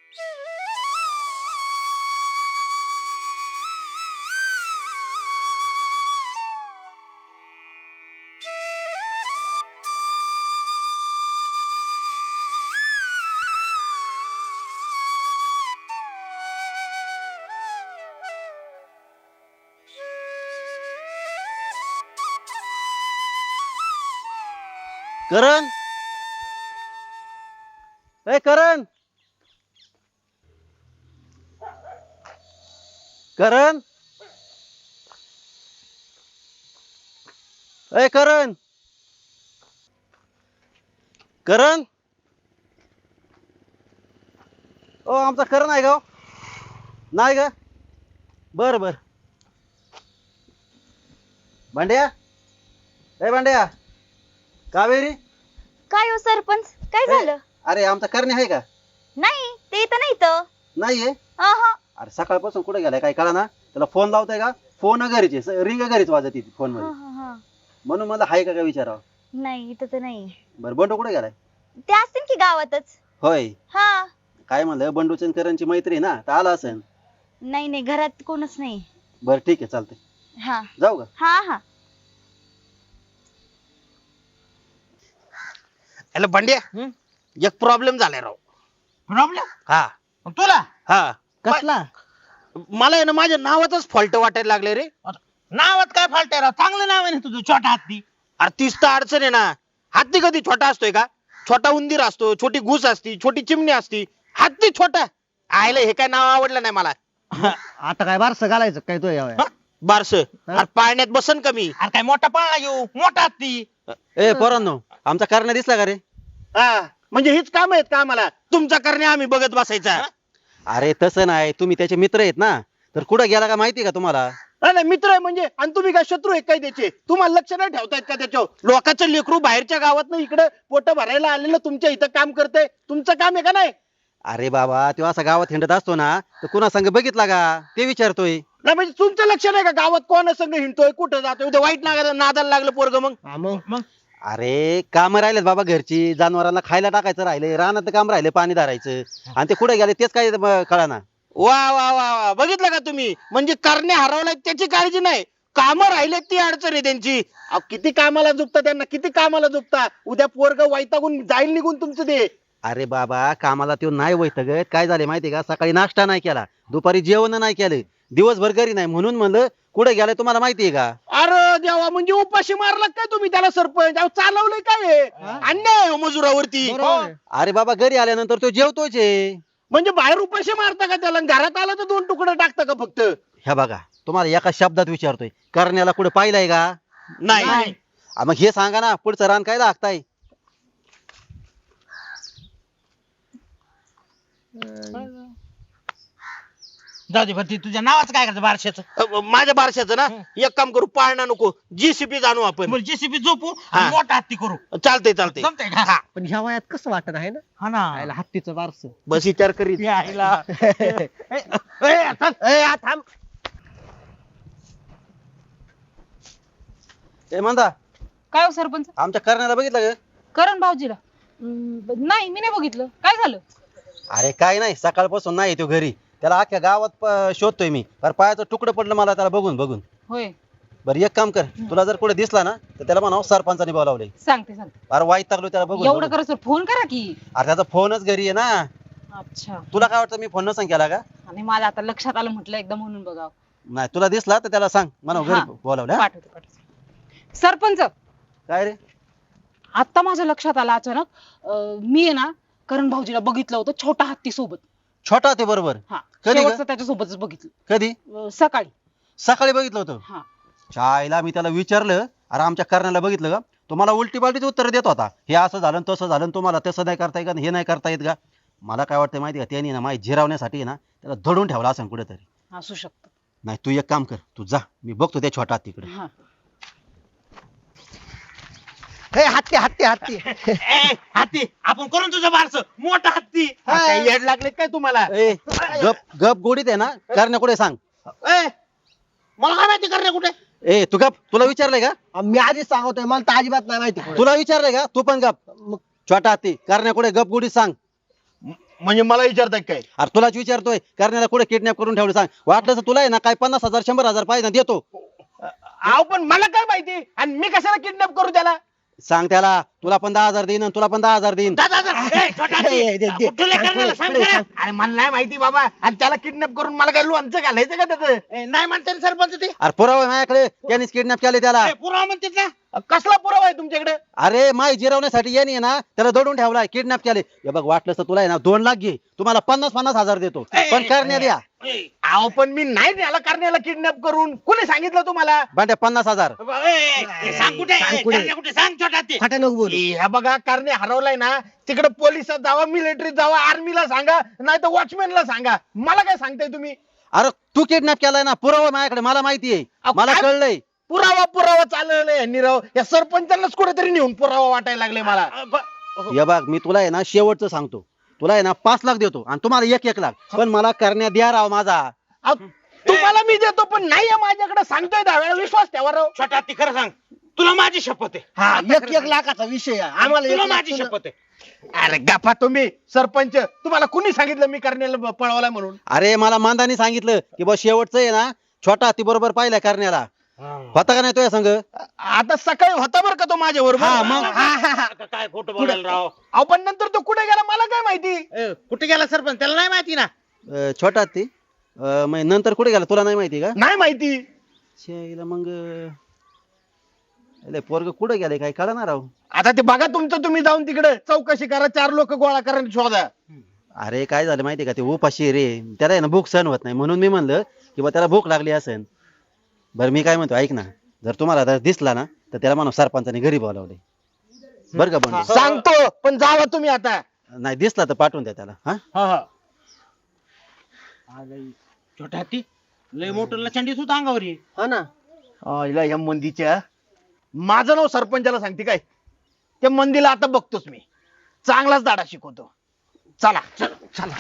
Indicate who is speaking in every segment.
Speaker 1: करण, ए करण, करण, ए करण, करण, ओ आमचा करण आहे का हो? नाही का? बर बर. भांड्या, ए भांड्या, कावेरी.
Speaker 2: काय हो सरपंच, काय
Speaker 1: ए,
Speaker 2: झालं?
Speaker 1: अरे आमचा करणे आहे का?
Speaker 2: नाही, ते इथं नाही तर.
Speaker 1: नाहीये.
Speaker 2: अहं.
Speaker 1: अरे सकाळपासून कुठे गेलाय काय कळा ना. त्याला फोन लावताय का? फोन घरीच रिंग घरीच वाजत ती फोन मध्ये.
Speaker 2: हं.
Speaker 1: म्हणून मला हाय का काय विचारावं.
Speaker 2: नाही, इथं तर नाही.
Speaker 1: बरं बंडू कुठे गेलाय?
Speaker 2: ते असतील की गावातच.
Speaker 1: होय.
Speaker 2: हा.
Speaker 1: काय म्हणलं बंडूची आणि करणची मैत्री आहे ना, तर आला असेल.
Speaker 2: नाही नाही, घरात कोणच नाही.
Speaker 1: बरं ठीक आहे चालतंय.
Speaker 2: हा
Speaker 1: जाऊ का?
Speaker 2: हा हा.
Speaker 3: हॅलो भांड्या, एक प्रॉब्लेम झालाय राव.
Speaker 4: प्रॉब्लेम
Speaker 3: हा
Speaker 4: तुला
Speaker 3: हा
Speaker 4: कसला?
Speaker 3: मला आहे ना माझ्या नावातच फॉल्ट वाटायला लागले रे.
Speaker 4: नावात काय फाल्ट आहे राव? चांगलं नाव आहे ना तुझं, छोटा हत्ती.
Speaker 3: अरे तीच तर अडचण आहे ना. हत्ती कधी छोटा असतोय का? छोटा उंदीर असतो, छोटी घुस असती, छोटी चिमणी असती. हत्ती छोटा. आयला हे काय नाव आवडलं नाही मला.
Speaker 5: आता काय बारसं घालायचं काय तो यावं?
Speaker 3: बारस अरे पाळण्यात बसन कमी.
Speaker 4: अरे काय मोठा पाळणा घेऊ, मोठा हत्ती.
Speaker 1: ए पोरांनो, आमचा करणे दिसला का रे?
Speaker 3: हा म्हणजे हीच काम आहेत का आम्हाला? तुमचा करणे आम्ही बघत बसायचा?
Speaker 1: अरे तसं नाही, तुम्ही त्याचे मित्र आहेत ना, तर कुठं गेला का माहिती का तुम्हाला?
Speaker 3: नाही मित्र आहे म्हणजे, आणि तुम्ही काय शत्रू आहे काय त्याचे? तुम्हाला लक्ष नाही ठेवतायत का त्याच्यावर? लोकांचं लेकरू बाहेरच्या गावात इकडे पोट भरायला आलेलं तुमच्या इथं काम करतंय. तुमचं काम आहे का नाही?
Speaker 1: अरे बाबा, तो असा गावात हिंडत असतो ना, तर कुणा संग बघितला का ते विचारतोय.
Speaker 3: नाही म्हणजे तुमचं लक्ष नाही का गावात कोणा संग हिंडतोय, कुठं जातोय? उद्या वाईट नादाला लागलं पोरग मग.
Speaker 4: मग
Speaker 1: अरे काम राहिलेत बाबा घरची, जनावरांना खायला टाकायचं राहिले, रानात काम राहिले पाणी धरायचं, आणि ते कुठे गेले तेच काय कळाना.
Speaker 3: वा वा वा वा, बघितलं का तुम्ही? म्हणजे करणे हरवलाय त्याची काळजी नाही, कामं राहिलेत ती अडचण आहे त्यांची. अहो, किती कामाला झुकता त्यांना, किती कामाला झुकता. उद्या पोरग वैतागून जाईल निघून तुमचं ते.
Speaker 1: अरे बाबा, कामाला तो नाही वैतगत. काय झाले माहितीये का? सकाळी नाश्ता नाही केला, दुपारी जेवण नाही केलं, दिवसभर घरी नाही, म्हणून म्हणलं कुठे गेलाय तुम्हाला माहितीये का?
Speaker 3: अरे देवा, म्हणजे उपाशी मारला काय तुम्ही त्याला सरपंच? अहो, चालवलंय काय हे? अन्याय आहे हो मजुरावरती.
Speaker 5: बरोबर आहे.
Speaker 1: अरे बाबा, घरी आल्यानंतर तो जेवतोच आहे.
Speaker 3: म्हणजे बाहेर उपाशी मारता का त्याला? घरात आलं तर 2 तुकडे टाकता का फक्त?
Speaker 1: ह्या बघा, तुम्हाला एका शब्दात विचारतोय, करण्याला कुठे पाहिलंय का?
Speaker 3: नाही.
Speaker 1: मग हे सांगा ना, पुढचं रान काय लागताय?
Speaker 4: जाऊ दे, भरती तुझ्या नावाचं काय करायचं बारशाचं?
Speaker 3: माझ्या बारशाचं ना, एक काम करू, पाळणा नको, जीसीपी जाणू आपण.
Speaker 4: जेसीबी झोपू
Speaker 3: हा.
Speaker 4: आणि मोठा हत्ती करू.
Speaker 3: चालतंय चालतंय.
Speaker 4: जमतंय का?
Speaker 3: हा,
Speaker 5: पण ह्या वयात कसं वाटत आहे ना?
Speaker 4: हा ना.
Speaker 5: आयला हत्तीचं बारसं.
Speaker 3: बस विचार करीत.
Speaker 4: यायला. थांब.
Speaker 1: ए म्हणता,
Speaker 6: काय हो सरपंच?
Speaker 1: आमच्या करण्याला बघितलं का?
Speaker 6: करण भाऊजीला नाही, मी नाही बघितलं. काय झालं?
Speaker 1: अरे काय नाही, सकाळपासून नाही तो घरी. त्याला अख्ख्या गावात शोधतोय मी. अरे पायाचं तुकडं पडलं मला त्याला बघून बघून.
Speaker 6: होय,
Speaker 1: बरं एक काम कर, तुला जर कुठे दिसला ना, तर त्याला म्हणावं सरपंचाने बोलावलंय.
Speaker 6: सांगते.
Speaker 1: अरे वाईट टाकलो त्याला बघून
Speaker 6: एवढं
Speaker 1: बघून.
Speaker 6: करा सर, फोन करा की.
Speaker 1: अरे त्याचा फोनच घरी आहे ना.
Speaker 6: अच्छा.
Speaker 1: तुला काय वाटतं मी फोन नसं केला का?
Speaker 6: आणि माझं आता लक्षात आलं, म्हटलं एकदा म्हणून बघावं.
Speaker 1: नाही, तुला दिसला तर त्याला सांग म्हणा
Speaker 6: हा.
Speaker 1: घरी बोलावलं. हा?
Speaker 6: पाठवते. सरपंच,
Speaker 1: काय रे?
Speaker 6: आता माझ्या लक्षात आलं अचानक, मी आहे ना करण भाऊजीला बघितलं होतं छोटा हत्ती सोबत.
Speaker 1: छोटा ते बरोबर.
Speaker 6: हा,
Speaker 1: कधी ग?
Speaker 6: शेवटचं त्याच्यासोबतच बघितलं.
Speaker 1: कधी?
Speaker 6: सकाळी.
Speaker 1: सकाळी बघितलं होतं.
Speaker 6: हा.
Speaker 1: शाळेला मी त्याला विचारलं, अरे आमच्या करण्याला बघितलं का? तुम्हाला उलटी पालटीच उत्तर देत होता. हे असं झालं तसं झालं, तुम्हाला तसं नाही करता येत का, हे नाही करता येत का? मला काय वाटतं माहिती का, त्यांनी ना माहिती जिरावण्यासाठी ना त्याला धडून ठेवला असं कुठेतरी.
Speaker 6: असू शकतं.
Speaker 1: नाही, तू एक काम कर, तू जा, मी बघतो त्या छोटा तिकडे.
Speaker 6: हा.
Speaker 5: हे हत्ती हत्ती हत्ती.
Speaker 4: हत्ती आपण करून तुझं बारस मोठा हत्ती.
Speaker 3: काय येड लागले काय तुम्हाला?
Speaker 1: ए गप गप गोडीत आहे ना, करण्या कुठे सांग.
Speaker 3: ए, मला काय माहिती करण्या कुठे?
Speaker 1: ए तू गप, तुला विचारलंय का?
Speaker 5: मी आधीच सांगतोय, मला तर अजिबात नाही माहिती.
Speaker 1: तुला विचारलंय का? तू पण गप. छोटा हत्ती करण्या कुठे, गप गोडीत सांग.
Speaker 3: म्हणजे मला विचारताय काय
Speaker 1: अरे तुलाच विचारतोय करण्याला कुठे किडनॅप करून ठेवलं सांग वाटलं तर तुला आहे ना काय 50,000 100,000 पाहिजे ना देतो.
Speaker 3: अहो पण मला काय माहिती आणि मी कशाला किडनॅप करू त्याला
Speaker 1: सांग त्याला तुला पण 10,000 देईन आणि तुला पण 10,000 देईन.
Speaker 4: कुठले करण्याला सांग जरा.
Speaker 3: अरे मला नाही माहिती बाबा आणि त्याला किडनॅप करून मला काय लोणचं घालायचं का त्याचं
Speaker 4: नाही म्हणते ना सरपंच ते
Speaker 1: अरे पुरावा आहे माझ्याकडे त्यांनीच किडनॅप केले त्याला.
Speaker 4: पुरावा म्हणतात ना.
Speaker 3: कसला पुरावा आहे तुमच्याकडे
Speaker 1: अरे माय जिरवण्यासाठी यांनी आहे ना त्याला दडून ठेवलाय किडनॅप केले. हे बघ वाटलं तर तुला आहे ना 2 लाख घे तुम्हाला 50,000 देतो पण करण्यात या
Speaker 3: अहो पण मी नाही त्याला करण्याला किडनॅप करून कोणी सांगितलं तुम्हाला
Speaker 1: भांड्या 50,000.
Speaker 4: सांग कुठे करण्या कुठे सांग छोटा ते.
Speaker 5: फाटा नको बोलू
Speaker 3: ह्या बघा करणे हरवलाय ना तिकडे पोलिसात जावा मिलिटरीत जावा आर्मीला सांगा नाही तर वॉचमॅनला सांगा मला काय सांगताय तुम्ही
Speaker 1: अरे तू किडनॅप केलाय ना पुरावा आहे माझ्याकडे मला माहिती आहे
Speaker 3: अहो,
Speaker 1: मला
Speaker 3: काय?
Speaker 1: कळलंय.
Speaker 3: पुरावा चालवलाय यांनी राव या सरपंचांनाच कुठेतरी नेऊन पुरावा वाटायला लागले मला
Speaker 1: हे बघ मी तुला आहे ना शेवटचं सांगतो तुला आहे ना 5 लाख देतो आणि तुम्हाला 1 लाख पण मला करण्यात द्या राव माझा.
Speaker 3: अहो, तुम्हाला मी देतो पण नाही आहे माझ्याकडे सांगतोय 10 वेळा विश्वास ठेवा राव
Speaker 4: छोटा ती खरं सांग तुला माझी शपथ आहे.
Speaker 5: हा 1 लाखाचा विषय आहे. आम्हाला
Speaker 4: तुला
Speaker 5: 1 लाख
Speaker 4: माझी
Speaker 5: तुला-
Speaker 4: शपथ आहे.
Speaker 3: अरे गप्पा तुम्ही सरपंच तुम्हाला कुणी सांगितलं मी करण्याला पळवलाय म्हणून
Speaker 1: अरे मला मांदानी सांगितलं की बस शेवटचं आहे ना छोटा हत्ती बरोबर पाहिलाय करण्याला होता का नाही तुझ्या संग.
Speaker 3: आता सकाळी होता बरं का तो माझ्या बरोबर
Speaker 1: हा, मग.
Speaker 4: आता काय खोटं बोलायला राव.
Speaker 3: अहो पण नंतर तो कुठे गेला मला काय माहिती
Speaker 4: कुठे गेला सरपंच त्याला नाही माहिती ना.
Speaker 1: छोटा हत्ती मग नंतर कुठे गेला तुला नाही माहिती का.
Speaker 3: नाही माहिती
Speaker 1: शेला मग पोरग कुठे गेले काय कळणार राव.
Speaker 3: आता ते बघा तुमचं तुम्ही जाऊन तिकडे चौकशी करा 4 लोक गोळा करा आणि शोधा
Speaker 1: अरे काय झालं माहिती का ते उपाशी रे त्याला आहे ना भूक सहन होत नाही म्हणून मी म्हणलं की बा त्याला भूक लागली असेल. बरं मी काय म्हणतो ऐक ना जर तुम्हाला जर दिसला ना तर त्याला म्हणा सरपंचाने घरी बोलावले बरं का बंडे.
Speaker 3: सांगतो पण जावा तुम्ही आता
Speaker 1: नाही दिसला तर पाठवून द्या त्याला. हा
Speaker 4: छोटा हत्ती लय मोठं लचंडीच होता अंगावर हे.
Speaker 5: हा ना
Speaker 3: हिला या मंदीच्या माझं नाव सरपंचाला सांगते काय त्या मंदीला आता बघतोच मी चांगलाच दाडा शिकवतो चला चला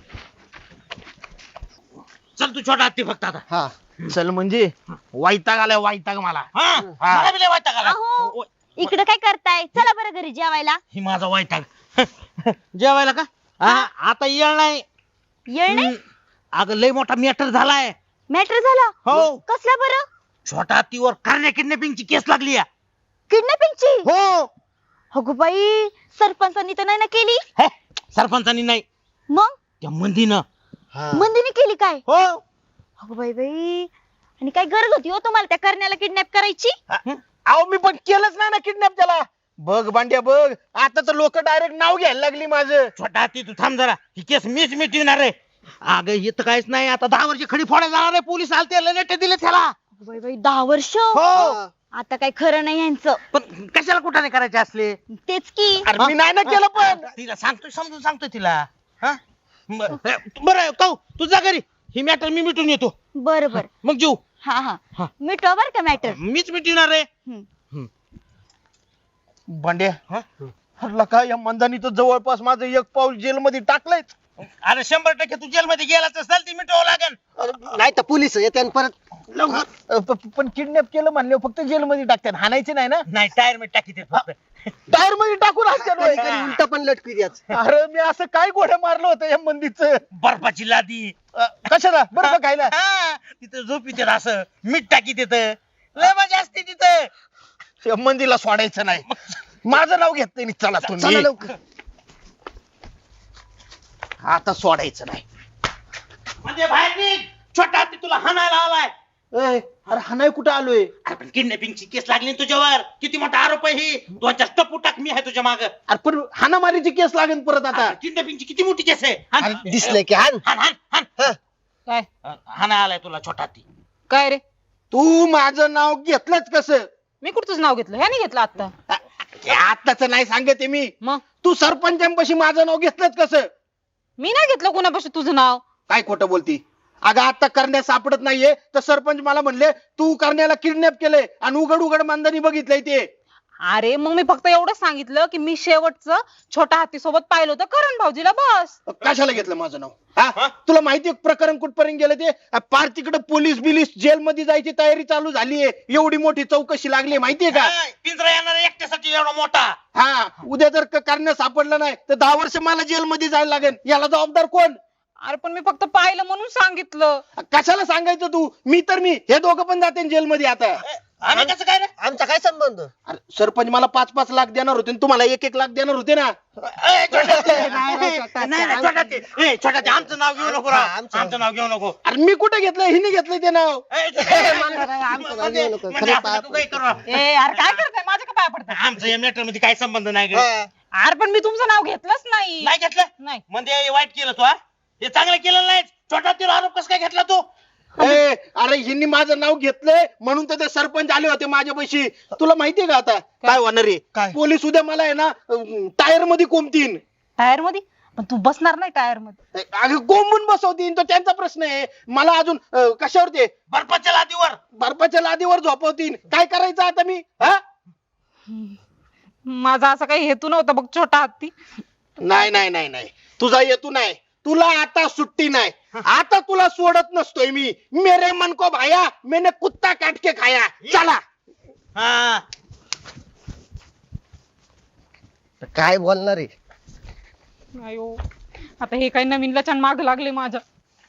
Speaker 4: चल तू छोटा हत्ती फक्त आता.
Speaker 5: हा
Speaker 3: चल म्हणजे वैताग आलाय वैताग मला
Speaker 4: हा मला बी लय वैताग आला.
Speaker 2: अहो इकडे काय करताय चला बरं घरी जेवायला.
Speaker 4: ही माझा वैताग जेवायला का आता येळ नाही.
Speaker 2: येळ नाही
Speaker 4: अगं लय मोठा मॅटर झालाय.
Speaker 2: मॅटर झाला
Speaker 4: हो.
Speaker 2: कसला बरं.
Speaker 4: छोटा हत्तीवर करण्या किडनॅपिंगची केस लागली आहे.
Speaker 2: किडनॅपिंगची.
Speaker 4: हो
Speaker 2: अगो बाई सरपंचांनी तर नाही ना केली.
Speaker 4: हे, सरपंचानी नाही
Speaker 2: मग
Speaker 4: त्या मंदीनं.
Speaker 2: मंदिनी केली काय.
Speaker 4: हो
Speaker 2: अगो बाई बाई आणि काय गरज होती हो तुम्हाला त्या करण्याला किडनॅप करायची.
Speaker 3: अहो मी पण केलंच नाही ना किडनॅप त्याला बघ बांड्या बघ आता तर लोक डायरेक्ट नाव घ्यायला लागली माझं
Speaker 4: छोटा हत्ती तू थांब जरा ही केस मीच मिटविणार आहे. अगं इथं काहीच नाही आता 10 वर्ष खडी फोडायला जाणार आहे पोलीस आलते लेटे दिले त्याला.
Speaker 2: अगो बाई बाई 10 वर्ष.
Speaker 4: हो
Speaker 2: आता काय खरं नाही यांचं.
Speaker 4: पण कशाला कुठाने करायचे असले.
Speaker 2: तेच की.
Speaker 3: अरे मी नाही ना केलं पण
Speaker 4: तिला सांगतोय समजून सांगतोय तिला. हा बरं कहू तू जा घरी ही मॅटर मी मिटून येतो
Speaker 2: बरं बरं.
Speaker 4: मग जीव
Speaker 2: हा
Speaker 4: हा.
Speaker 2: हा मिटवा बर का मॅटर.
Speaker 4: मीच मिटविणार आहे.
Speaker 3: बांड्या हरला का या मंदानी तर जवळपास माझं 1 पाऊल जेल मध्ये टाकलंय
Speaker 4: अरे 100% तू जेलमध्ये गेलाच असेल ती मिटवावं लागेल.
Speaker 5: नाही तर पोलीस येते आणि परत
Speaker 3: पण किडनॅप केलं म्हणले फक्त जेल मध्ये टाकतात हाणायचे नाही ना
Speaker 4: नाही टायर मध्ये टाकी ते फक्त.
Speaker 3: टायर मध्ये टाकून असतात
Speaker 5: कधी कधी उलट पण लटकी द्याच
Speaker 3: अरे मी असं काय गोडं मारलं होतं या मंदीच
Speaker 4: बर्फाची लादी
Speaker 3: कशाला बरं खायला
Speaker 4: हा, तिथं झोपी देत असं मीठ टाकी देत लय मजा असते तिथं.
Speaker 3: या मंदीला सोडायचं नाही माझं नाव घेत नाही चला
Speaker 5: चला
Speaker 3: तुम्ही
Speaker 5: लवकर
Speaker 3: आता सोडायचं नाही
Speaker 4: म्हणजे बाहेर निघ छोटा हत्ती तुला हाणायला आलाय.
Speaker 3: अरे हा नाही कुठं आलोय
Speaker 4: अरे पण किडनॅपिंगची केस लागली ना तुझ्यावर किती मोठा आरोप आहे ही 2-4 टप्पू टाक मी आहे तुझ्या माग.
Speaker 3: अरे पण हाणामारीची केस लागेल परत आता
Speaker 4: किडनॅपिंगची किती मोठी केस आहे. हाण.
Speaker 5: अरे दिसलंय की हान
Speaker 4: हाण हाण हाण
Speaker 6: काय
Speaker 4: हाणायला आलाय तुला छोटा हत्ती.
Speaker 6: काय रे
Speaker 3: तू माझं नाव घेतलंच कसं
Speaker 6: मी कुठचंच नाव घेतलं ह्याने घेतलं आता.
Speaker 3: आताच नाही सांगते मी
Speaker 6: मग
Speaker 3: तू सरपंचांपाशी माझं नाव घेतलंच कसं
Speaker 6: मी नाही घेतलं कुणापाशी तुझं नाव.
Speaker 3: काय खोटं बोलती अगं आता करण्या सापडत नाहीये तर सरपंच मला म्हणले तू करण्याला किडनॅप केलंय आणि उघड उघड मांदानी बघितलंय ते
Speaker 6: अरे मग मी फक्त एवढंच सांगितलं की मी शेवटचं छोटा हत्ती सोबत पाहिलं होतं करण भाऊजीला, बस.
Speaker 3: कशाला घेतलं माझं नाव हा? तुला माहितीये प्रकरण कुठपर्यंत गेलं ते पार तिकडे पोलीस बिलीस जेल मध्ये जायची तयारी चालू झालीये. एवढी मोठी चौकशी लागली माहितीये का?
Speaker 4: पिंजरा येणार एकट्यासाठी एवढा मोठा.
Speaker 3: हा उद्या जर करण्या सापडलं नाही तर 10 वर्ष मला जेल मध्ये जायला लागेल. याला जबाबदार कोण?
Speaker 6: अरे पण मी फक्त पाहिलं म्हणून सांगितलं.
Speaker 3: कशाला सांगायचं तू? मी हे दोघं पण जाते जेल मध्ये आता.
Speaker 4: आणि कसं काय रे?
Speaker 5: आमचा काय संबंध?
Speaker 3: अरे सरपंच मला 5-5 लाख देणार होते आणि तुम्हाला 1-1 लाख देणार होते ना.
Speaker 4: ए, छोटा ते.
Speaker 5: नाही, नाही, छोटा
Speaker 4: नाही, नाही,
Speaker 5: ते.
Speaker 4: छोटा ते. ए, छोटा ते, आमचं नाव घेऊ नको राव.
Speaker 5: हा,
Speaker 4: आमचं नाव घेऊ नको.
Speaker 3: अरे मी कुठे घेतलं? हिने घेतलंय ते नाव.
Speaker 4: ए,
Speaker 5: आमचं नाव घेऊ नको.
Speaker 4: म्हणजे
Speaker 5: खरं
Speaker 4: आपण तू काही करू राव.
Speaker 6: ए यार काय करताय, माझ्या का पाया पडताय?
Speaker 4: आमचं या मॅटर मध्ये काही संबंध नाही ग.
Speaker 5: हा.
Speaker 6: अरे पण मी तुमचं नाव घेतलंच नाही.
Speaker 4: नाही घेतलं
Speaker 6: नाही.
Speaker 4: म्हणजे हे वाईट केलं तू हा? हे चांगलं केलं नाही. छोटा तिला आरोप कसं काय घेतला तू?
Speaker 3: ए, अरे हिने माझं नाव घेतलंय म्हणून तर ते सरपंच आले होते माझ्यापाशी. तुला माहितीये का आता काय होणार आहे?
Speaker 5: काय?
Speaker 3: पोलीस उद्या मला आहे ना टायर मध्ये कोंबतीन.
Speaker 6: टायर मध्ये? पण तू बसणार नाही टायर मध्ये.
Speaker 3: अगं कोंबून बसवतीन तो त्यांचा प्रश्न आहे. मला अजून कशावर ते
Speaker 4: बर्फाच्या लादीवर.
Speaker 3: बर्फाच्या लादीवर झोपवतीन. काय करायचं आता मी हा?
Speaker 6: माझा असा काही हेतू नव्हता बघ छोटा हत्ती.
Speaker 3: नाही नाही नाही नाही तुझा येतू नाही. तुला आता सुट्टी नाही. आता तुला सोडत नसतोय मी. मेरे मन को भाया मैंने कुत्ता काट के खाया. चला.
Speaker 4: हा
Speaker 5: काय बोलणार आहे?
Speaker 6: अयो आता हे काही नवीन लचण माग लागले माझ्या.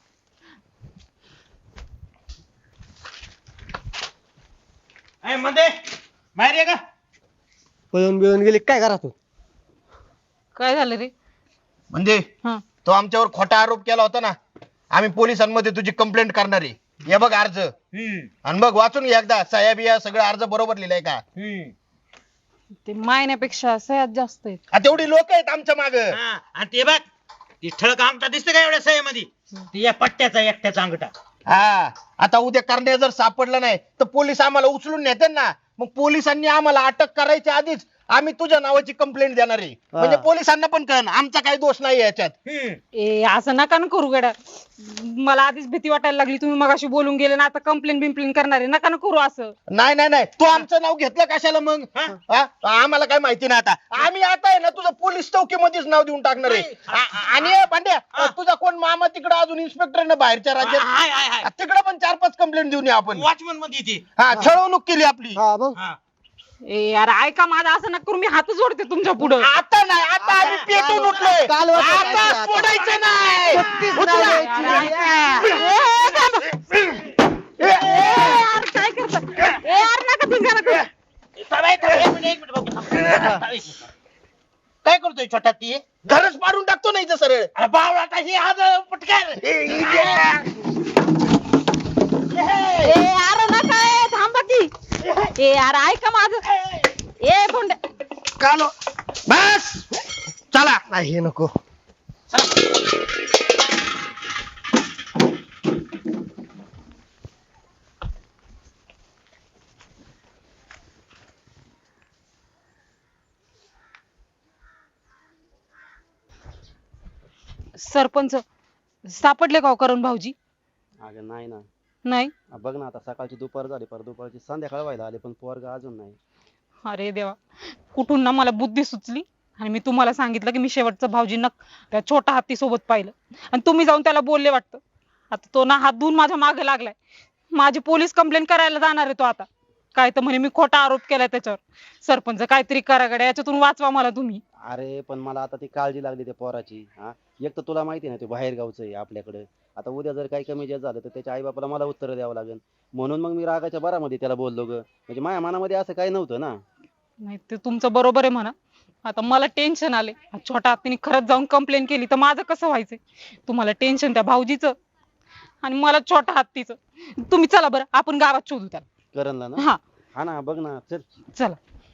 Speaker 4: ए, मध्ये बाहेर ये का?
Speaker 5: पळून बिळून गेली काय करा तू?
Speaker 6: काय झालं रे?
Speaker 3: म्हणजे
Speaker 6: हा
Speaker 3: तो आमच्यावर खोटा आरोप केला होता ना. आम्ही पोलिसांमध्ये तुझी कंप्लेंट करणार आहे. हे बघ अर्ज आणि बघ वाचून घे एकदा. सह्या बिया सगळं अर्ज बरोबर लिहिलाय का?
Speaker 6: ते मायण्यापेक्षा सह्यात जास्त आहेत.
Speaker 3: तेवढी लोक आहेत आमच्या माग.
Speaker 4: हा, आणि ते बघ ती ठळक अंगठा दिसते का एवढ्या सह्यामध्ये? ती या पट्ट्याचा एकट्याचा अंगठा.
Speaker 3: हा आता उद्या करण्या जर सापडलं नाही तर पोलीस आम्हाला उचलून नेते ना. मग पोलिसांनी आम्हाला अटक करायच्या आधीच आम्ही तुझ्या नावाची कंप्लेंट देणार आहे. म्हणजे पोलिसांना पण कळण आमचा काही दोष नाही याच्यात.
Speaker 6: ए असं नका ना करू गड्या. मला आधीच भीती वाटायला लागली. तुम्ही मगाशी बोलून गेले ना, आता कंप्लेंट बिम्प्लेन करणार आहे. नका ना करू असं.
Speaker 3: नाही नाही नाही तू आमचं नाव घेतलं कशाला मग? हा? आम्हाला काय माहिती नाही. आता आम्ही आता आहे ना तुझं पोलीस चौकीमध्येच नाव देऊन टाकणार आहे. आणि पांड्या तुझा कोण मामा तिकडे अजून इन्स्पेक्टर ना बाहेरच्या राज्यात. तिकडे पण 4-5 कंप्लेंट देऊन या आपण.
Speaker 4: वॉचमन मध्ये ती.
Speaker 3: हा छळवणूक केली आपली.
Speaker 5: हा मग
Speaker 4: हा.
Speaker 6: ए यार ऐका माझं, असं नका करू. मी हात जोडते तुमच्या पुढं.
Speaker 3: आता नाही आता आम्ही पेटून उठलोय.
Speaker 5: काल होतं
Speaker 3: आता
Speaker 5: काय?
Speaker 3: सोडायचं नाही.
Speaker 6: यार काय करता? ए यार नका धिंगाणा करू.
Speaker 4: एक मिनिट बघू. काय करतोय छोटा ती?
Speaker 3: घरच मारून टाकतो नाही सरळ.
Speaker 4: अरे बावळा काही आज पटकन.
Speaker 6: ए यार नका. ए थांबा की. ए यार ऐका माझं. ए कोंड.
Speaker 3: कालो बस चला.
Speaker 5: नाही हे नको.
Speaker 6: सरपंच सापडले का हो करण भाऊजी?
Speaker 1: अगं नाही ना.
Speaker 6: नाही.
Speaker 1: बघ ना आता सकाळची दुपार झाली, पर दुपारची संध्याकाळ व्हायला आली पण पोरग अजून नाही.
Speaker 6: अरे देवा, कुठून ना मला बुद्धी सुचली आणि मी तुम्हाला सांगितलं की मी शेवटचं भाऊजींना त्या छोटा हत्ती सोबत पाहिलं आणि तुम्ही जाऊन त्याला बोलले वाटतं. आता तो ना हात धुवून माझ्या मागे लागलाय. माझी पोलीस कंप्लेंट करायला जाणार आहे तो आता. काय तर म्हणे मी खोटा आरोप केलाय त्याच्यावर. सरपंच काहीतरी करा गड्या, याच्यातून वाचवा मला तुम्ही.
Speaker 1: अरे पण मला आता ती काळजी लागली त्या पोराची. हा एक तर तुला माहिती ना ते बाहेर गावचं आहे आपल्याकडे. आता उद्या जर काही कमी जास्त झालं तर त्याच्या आई बापाला मला उत्तर द्यावं लागेल. म्हणून मग मी रागाच्या भरामध्ये त्याला बोललो ग. म्हणजे माझ्या मनामध्ये असं काही नव्हतं ना.
Speaker 6: नाही ते तुमचं बरोबर आहे म्हणा. आता मला टेन्शन आले. छोटा हत्तीने खरंच जाऊन कंप्लेंट केली तर माझं कसं व्हायचंय? तुम्हाला टेन्शन त्या भाऊजीचं आणि मला छोटा हत्तीचं. तुम्ही चला बरं आपण गावात शोधू त्याला.
Speaker 1: करणला ना.
Speaker 6: हा
Speaker 1: हा ना बघ ना चल.
Speaker 6: चला.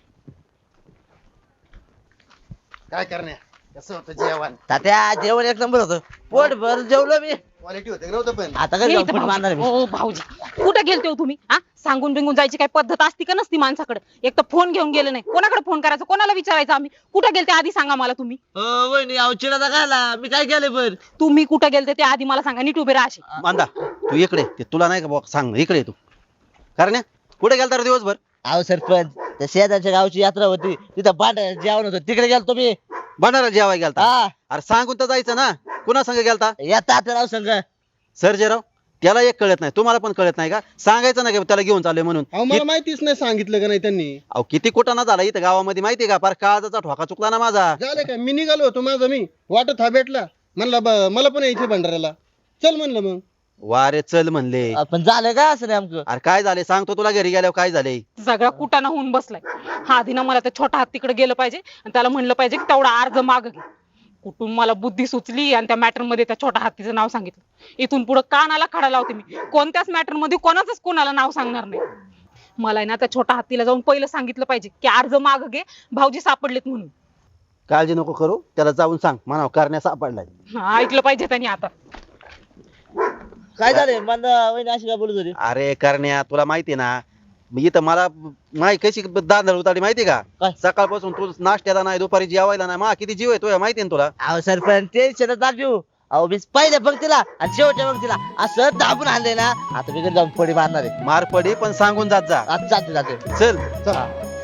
Speaker 3: काय करण्या कसं होतं जेवण?
Speaker 7: तात्या जेवण एक नंबर होतं. पोट भर जेवलो मी.
Speaker 5: क्वालिटी होते नव्हतं पण.
Speaker 7: आता
Speaker 6: हे
Speaker 7: काय
Speaker 6: इथं
Speaker 7: फुट मारणार मी.
Speaker 6: भाऊजी. ओ भाऊजी कुठे गेलते हो तुम्ही? हा सांगून बिंगून जायची काय पद्धत असती का नसती माणसाकडे? एक तर फोन घेऊन गेले नाही. कोणाकडे फोन करायचा, कोणाला विचारायचं आम्ही? कुठे गेलते आधी सांगा मला तुम्ही.
Speaker 7: वहिनी अवचिडाचा खायला मी काय केलं पण?
Speaker 6: तुम्ही कुठे गेलते ते आधी मला सांगा. नीट उभे राहा असे.
Speaker 1: मांदा तू इकडे ते तुला नाही का बुवा सांग इकडे तू. कारण कुठे गेलता रे दिवसभर?
Speaker 7: अहो सरपंच त्या शेजारच्या गावची यात्रा होती तिथं भांडार जेवण होतं तिकडे गेलतो मी.
Speaker 1: भंडारा जेवाय गेलता
Speaker 7: हा
Speaker 1: अरे सांगून तर जायचं ना कुणा संग गेलता
Speaker 7: या तात्याराव संघ.
Speaker 1: सर्जेराव त्याला एक कळत नाही तुम्हाला पण कळत नाही का सांगायचं ना की त्याला घेऊन चाललोय म्हणून
Speaker 5: अहो मला माहितीच नाही सांगितलं का नाही त्यांनी.
Speaker 1: अहो किती कुटाणा झाला इथं गावामध्ये माहितीये का फार काळजाचा ठोका चुकला ना माझा
Speaker 5: झालं का मी निघालो होतो माझं मी वाटत हा भेटला म्हणला मला पण यायचं भंडाऱ्याला चल म्हणलं मग.
Speaker 1: वारे चल म्हणले
Speaker 7: पण झालं काय असं नेमकं.
Speaker 1: अरे काय झाले सांगतो तुला घरी गेल्यावर काय झाले
Speaker 6: सगळा कुटाणा होऊन बसलाय. हा आधी ना मला त्या छोट्या हत्तीकडे गेलं पाहिजे आणि त्याला म्हणलं पाहिजे की तेवढा अर्ज माग घे. कुठून मला बुद्धी सुचली आणि त्या मॅटर मध्ये त्या छोट्या हत्तीचं नाव सांगितलं. इथून पुढे कानाला खडा लावते मी कोणत्याच मॅटर मध्ये कोणाचंच कोणाला नाव सांगणार नाही. मला आहे ना त्या छोट्या हत्तीला जाऊन पहिलं सांगितलं पाहिजे की अर्ज माग घे भाऊजी सापडलेत म्हणून.
Speaker 1: काळजी नको करू त्याला जाऊन सांग म्हणा करण्या सापडलाय
Speaker 6: हा, ऐकलं पाहिजे त्यांनी आता.
Speaker 7: काय झालंय मंदा वहिनी अशी काय बोलत होती.
Speaker 1: अरे करण्या तुला माहितीये ना मी इथं मला माही कशी दांदळ उतारी माहितीये का
Speaker 7: काय?
Speaker 1: सकाळपासून तू नाश्त्याला नाही दुपारी जेवायला नाही मा किती जीव आहे तुझ्या माहितीये ना तुला
Speaker 7: अहो सरपंच टेन्शन दाखवू. अहो मी पहिल्या पंक्तीला आणि शेवटच्या पंक्तीला असं दाबून आणलंय ना आता मी घरी जाऊन फडी मारणार आहे.
Speaker 1: मार पडी पण सांगून जात जा
Speaker 7: आता जाते
Speaker 1: चल
Speaker 7: हा.